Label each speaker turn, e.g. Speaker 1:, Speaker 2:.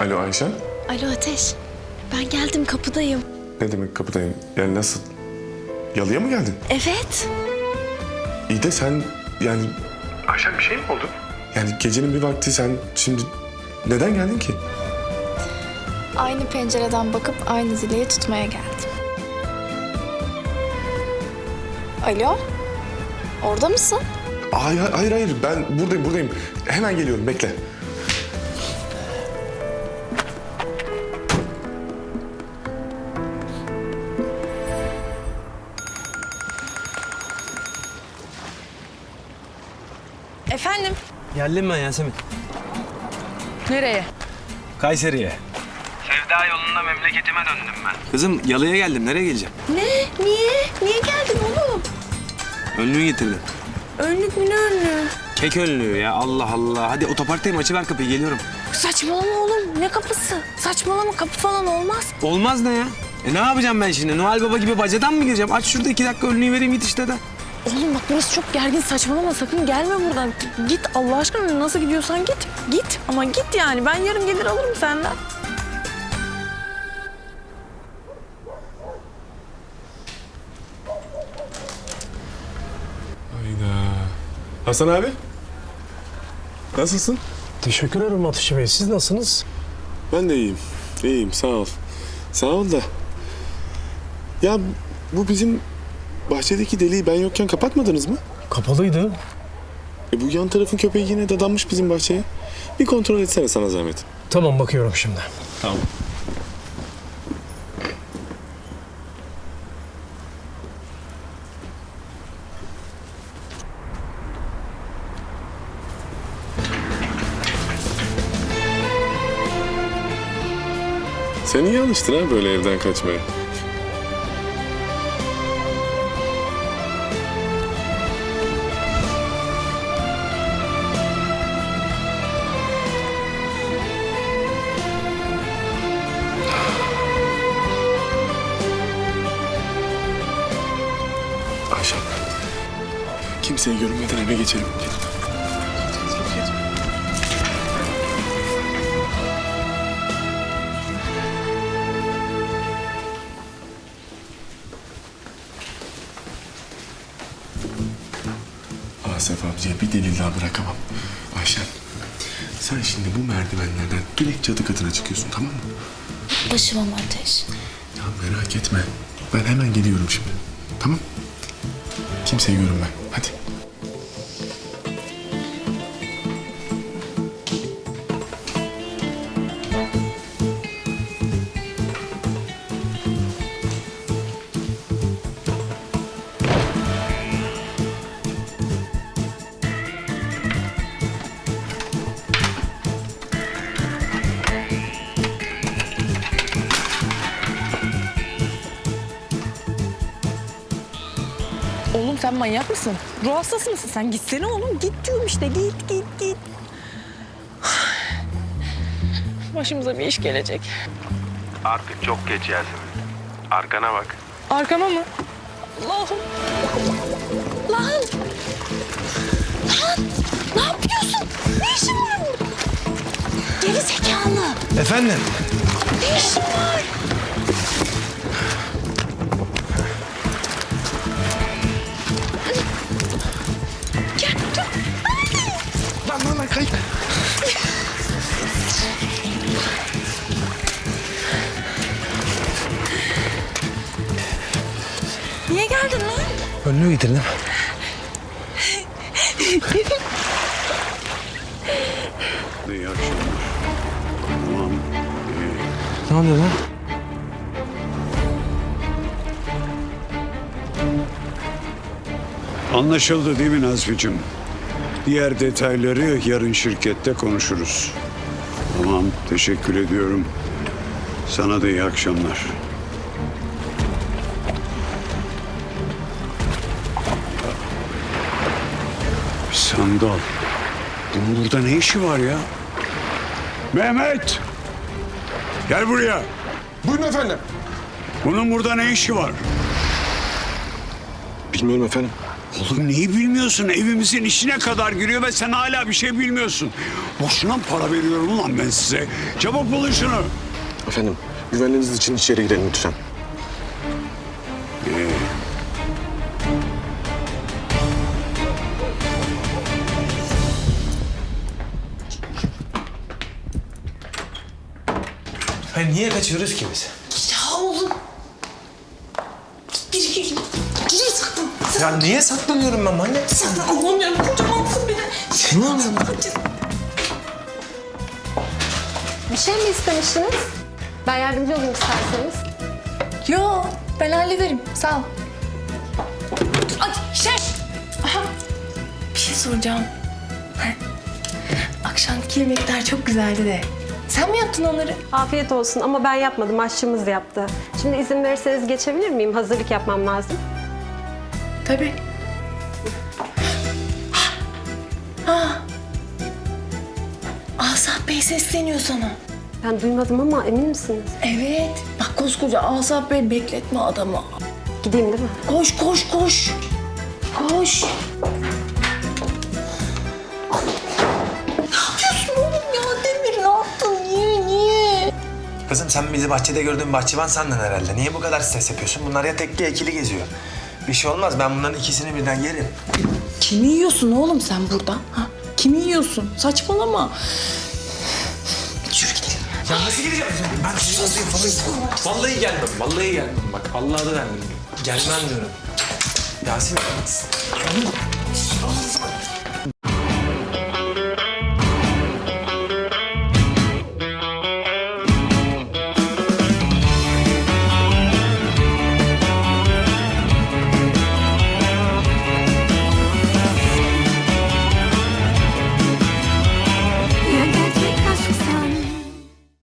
Speaker 1: Alo Ayşen.
Speaker 2: Alo Ateş. Ben geldim, kapıdayım.
Speaker 1: Ne demek kapıdayım? Yani nasıl? Yalıya mı geldin?
Speaker 2: Evet.
Speaker 1: İyi de sen yani... Ayşen bir şey mi oldu? Yani gecenin bir vakti sen şimdi neden geldin ki?
Speaker 2: Aynı pencereden bakıp aynı zileyi tutmaya geldim. Alo? Orada mısın?
Speaker 1: Hayır. Ben buradayım. Hemen geliyorum. Bekle.
Speaker 3: Efendim?
Speaker 4: Geldim ben Yasemin.
Speaker 3: Nereye?
Speaker 4: Kayseri'ye. Sevda yolunda memleketime döndüm ben. Kızım yalıya geldim. Nereye geleceğim?
Speaker 3: Ne? Niye? Niye geldin oğlum?
Speaker 4: Önlüğü getirdim.
Speaker 3: Önlük mü ne önlüğü?
Speaker 4: Kek önlüğü ya. Allah Allah. Hadi otoparktayım. Açıver kapıyı. Geliyorum.
Speaker 3: Saçmalama oğlum. Ne kapısı? Saçmalama, kapı falan olmaz.
Speaker 4: Olmaz ne ya? Ne yapacağım ben şimdi? Noel Baba gibi bacadan mı gireceğim? Aç şurada 2 dakika önlüğü vereyim git işte de.
Speaker 3: Oğlum bak burası çok gergin, saçmalama, sakın gelme buradan. Git Allah aşkına, nasıl gidiyorsan git. Git ama git yani. Ben yarın gelir alırım senden.
Speaker 1: Hayda. Hasan abi. Nasılsın?
Speaker 5: Teşekkür ederim Ateş Bey. Siz nasılsınız?
Speaker 1: Ben de iyiyim. İyiyim sağ ol. Sağ ol da. Ya bu bizim bahçedeki deliği ben yokken kapatmadınız mı?
Speaker 5: Kapalıydı.
Speaker 1: Bu yan tarafın köpeği yine dadanmış bizim bahçeye. Bir kontrol etsene sana zahmet.
Speaker 5: Tamam, bakıyorum şimdi.
Speaker 1: Tamam. Sen iyi alıştın ha böyle evden kaçmaya. Ayşe. Kimseye görünmeden eve geçelim. Asaf amcaya bir delil daha bırakamam. Ayşen, sen şimdi bu merdivenlerden direkt çatı katına çıkıyorsun, tamam mı?
Speaker 2: Başım ama Ateş.
Speaker 1: Ya merak etme. Ben hemen geliyorum şimdi. Tamam? Kimseye görünme. Hadi.
Speaker 3: Oğlum sen manyak mısın? Ruh hastası mısın sen? Gitsene oğlum. Git diyorum işte. Git. Başımıza bir iş gelecek.
Speaker 4: Artık çok geç Yasemin. Arkana bak.
Speaker 3: Arkama mı? Allah'ım. Lan! Ne yapıyorsun? Ne işin var burada? Geri zekalı.
Speaker 4: Efendim?
Speaker 3: Ne işin var? Gel, dur.
Speaker 4: Lan kayıp.
Speaker 3: Niye geldin lan?
Speaker 4: Önlüğü getirdim.
Speaker 6: İyi akşamlar. Tamam.
Speaker 4: Ne oluyor lan?
Speaker 6: Anlaşıldı değil mi Nazmi'cim? Diğer detayları yarın şirkette konuşuruz. Tamam, teşekkür ediyorum. Sana da iyi akşamlar. Sandal. Bunun burada ne işi var ya? Mehmet! Gel buraya.
Speaker 1: Buyurun efendim.
Speaker 6: Bunun burada ne işi var?
Speaker 1: Bilmiyorum efendim.
Speaker 6: Oğlum neyi bilmiyorsun? Evimizin içine kadar giriyor ve sen hala bir şey bilmiyorsun. Boşuna mı para veriyorum ulan ben size? Çabuk bulun şunu.
Speaker 1: Efendim, güvenliğiniz için içeri girelim lütfen.
Speaker 4: Hayır niye kaçıyoruz ki biz?
Speaker 3: Ya oğlum. Gir saklan.
Speaker 4: Ya niye saklanıyorum ben anne?
Speaker 3: Saklan. Allah'ım ya kocamansın beni.
Speaker 4: Seni anladım.
Speaker 7: Bir şey mi istemiştiniz? Ben yardımcı olayım isterseniz.
Speaker 2: Yo, ben hallederim. Sağ ol.
Speaker 3: Ay şeş. Aha.
Speaker 2: Bir şey soracağım. Akşamki yemekler çok güzeldi de. Sen mi yaptın onları?
Speaker 7: Afiyet olsun ama ben yapmadım, aşçımız yaptı. Şimdi izin verirseniz geçebilir miyim? Hazırlık yapmam lazım.
Speaker 2: Tabii. Asaf Bey sesleniyor sana.
Speaker 7: Ben duymadım ama emin misiniz?
Speaker 2: Evet. Bak koskoca Asaf Bey, bekletme adamı.
Speaker 7: Gideyim değil mi?
Speaker 2: Koş, koş, koş. Koş. Ne yapıyorsun oğlum ya? Demir ne yaptın? Niye?
Speaker 4: Kızım sen bizi bahçede gördüğün bahçıvan sandın herhalde. Niye bu kadar stres yapıyorsun? Bunlar ya tekli ya ikili geziyor. Bir şey olmaz. Ben bunların ikisini birden yerim.
Speaker 3: Kimi yiyorsun oğlum sen burada? Ha? Kimi yiyorsun? Saçmalama. Yürü gidelim.
Speaker 4: Ya nasıl gideceğim? Ben sizi nasıl yapalım? Vallahi gelmem. Vallahi gelmem. Bak Allah'a da vermem. Gelmem diyorum. Yasemin.